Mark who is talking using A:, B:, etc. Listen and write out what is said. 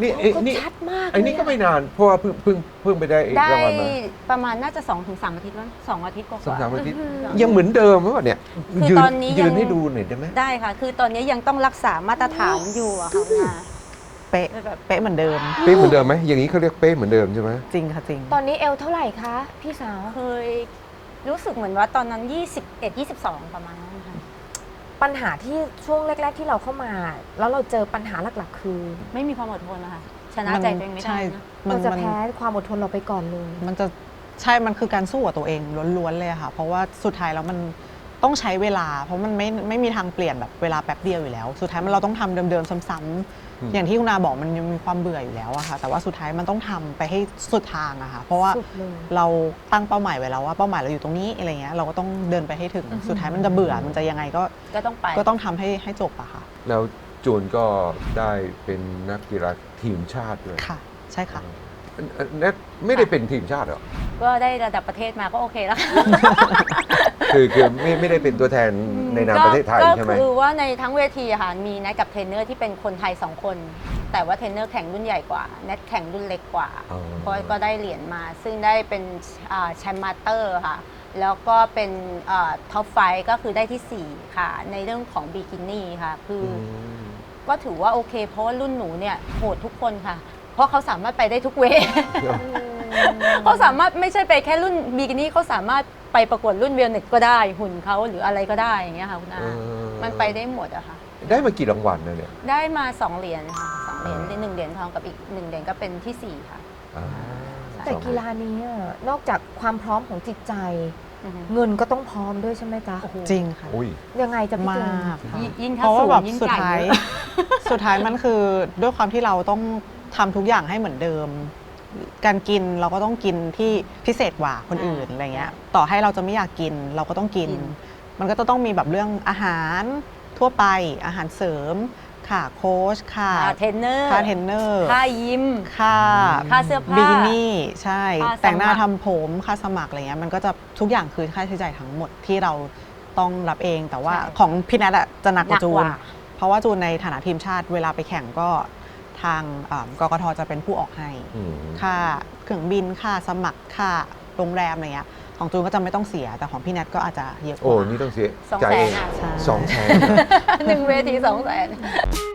A: นี่ชัดมาก
B: อันนี้ก็ไม่นานเพราะว่าเพิ่งไปได้รางวัลมา
C: ประมาณน่าจะ 2-3 อาทิตย์แล้ว2 อาทิตย์กว่า
B: 2-3 อาทิตย์ยังเหมือนเดิมไหมวะเนี่ย
C: คือตอนนี้
B: ยืนให้ดูหน่อยได้ไหม
C: ได้ค่ะคือตอนนี้ยังต้องรักษามาตรฐานอยู่อะค่ะ
D: เป๊ะเป๊ะเหมือนเดิม
B: เป๊ะเหมือนเดิมไหมอย่างนี้เขาเรียกเป๊ะเหมือนเดิมใช่ไหม
D: จริงค่ะจริง
A: ตอนนี้เอวเท่าไหร่คะพี่สาว
C: เคยรู้สึกเหมือนว่าตอนนั้น21-22ประมาณนั้นค่ะ
A: ปัญหาที่ช่วงแรกๆที่เราเข้ามาแล้วเราเจอปัญหาหลักๆคือ
C: ไม่มีความอดทนนะคะชนะใจตัวเองไม่ได้นะ
A: เราจะแพ้ความอดทนเราไปก่อนเลย
D: มันจะใช่มันคือการสู้กับตัวเองล้วนๆเลยค่ะเพราะว่าสุดท้ายแล้วมันต้องใช้เวลาเพราะมันไม่มีทางเปลี่ยนแบบเวลาแป๊บเดียวอยู่แล้วสุดท้ายเราต้องทำเดิมๆซ้ำๆอย่างที่คุณอาบอกมันยังมีความเบื่ออยู่แล้วอะค่ะแต่ว่าสุดท้ายมันต้องทำไปให้สุดทางอะค่ะเพราะว่าเราตั้งเป้าหมายไว้แล้วว่าเป้าหมายเราอยู่ตรงนี้อะไรเงี้ยเราก็ต้องเดินไปให้ถึงสุดท้ายมันจะเบื่อมันจะยังไง
C: ก็ต้องไป
D: ก็ต้องทำให้จบอะค่ะ
B: แล้วจูนก็ได้เป็นนักกีฬาทีมชาติด้วย
D: ค่ะใช่ค่ะ
B: ไม่ได้เป็นทีมชาติหรอ
C: ก็ได้ระดับประเทศมาก็โอเคแล้ว
B: คือไม่ได้เป็นตัวแทนในนามประเทศไทยใช่ไหม
C: ก็คือว่าในทั้งเวทีค่ะมีนัดกับเทรนเนอร์ที่เป็นคนไทย2 คนแต่ว่าเทรนเนอร์แข่งรุ่นใหญ่กว่านัดแข่งรุ่นเล็กกว่าก็ได้เหรียญมาซึ่งได้เป็นแชมป์มาสเตอร์ค่ะแล้วก็เป็นท็อปไฟก็คือได้ที่4ค่ะในเรื่องของบิกินี่ค่ะคือก็ถือว่าโอเคเพราะว่ารุ่นหนูเนี่ยโหดทุกคนค่ะเพราะเขาสามารถไปได้ทุกเวทเขาสามารถไม่ใช่ไปแค่รุ่นบิกินี่เขาสามารถไปประกวดรุ่นเวลเน็ตก็ได้หุ่นเขาหรืออะไรก็ได้อย่างเงี้ยค่ะคุณอามันไปได้หมดอะค่ะ
B: ได้มากี่รางวัลนะเนี่ย
C: ได้มา2 เหรียญค่ะ2 เหรียญ1 เหรียญทองกับอีก1 เหรียญก็เป็นที่4ค่ะ
A: แต่กีฬานี้นอกจากความพร้อมของจิตใจเงินก็ต้องพร้อมด้วยใช่ไหมจ๊ะ
D: จริงค่ะ
A: ยังไงจะ
D: มาก
C: ยิ่ง
D: เพราะว่าแบบสุดท้ายมันคือด้วยความที่เราต้องทำทุกอย่างให้เหมือนเดิมการกินเราก็ต้องกินที่พิเศษกว่าคนอื่นอะไรเงี้ยต่อให้เราจะไม่อยากกินเราก็ต้องกินมันก็จะต้องมีแบบเรื่องอาหารทั่วไปอาหารเสริมค่ะโค้ชค่ะ
C: เทรนเนอร์ค่ายิมค่าเสื้อผ้า
D: บิกินี่ใช่แต่งหน้าทำผมค่าสมัครอะไรเงี้ยมันก็จะทุกอย่างคือค่าใช้จ่ายทั้งหมดที่เราต้องรับเองแต่ว่าของพี่นัทจะหนักกว่าจูนเพราะว่าจูนในฐานะทีมชาติเวลาไปแข่งก็ทางกกท.จะเป็นผู้ออกให้ค่าเครื่องบินค่าสมัครค่าโรงแรมอะไรเงี้ยของจูนก็จะไม่ต้องเสียแต่ของพี่แนทก็อาจจะเยอะกว่า
B: โอ้นี่ต้องเสีย
C: 200,000
B: 200,000
C: 1 เวที200,000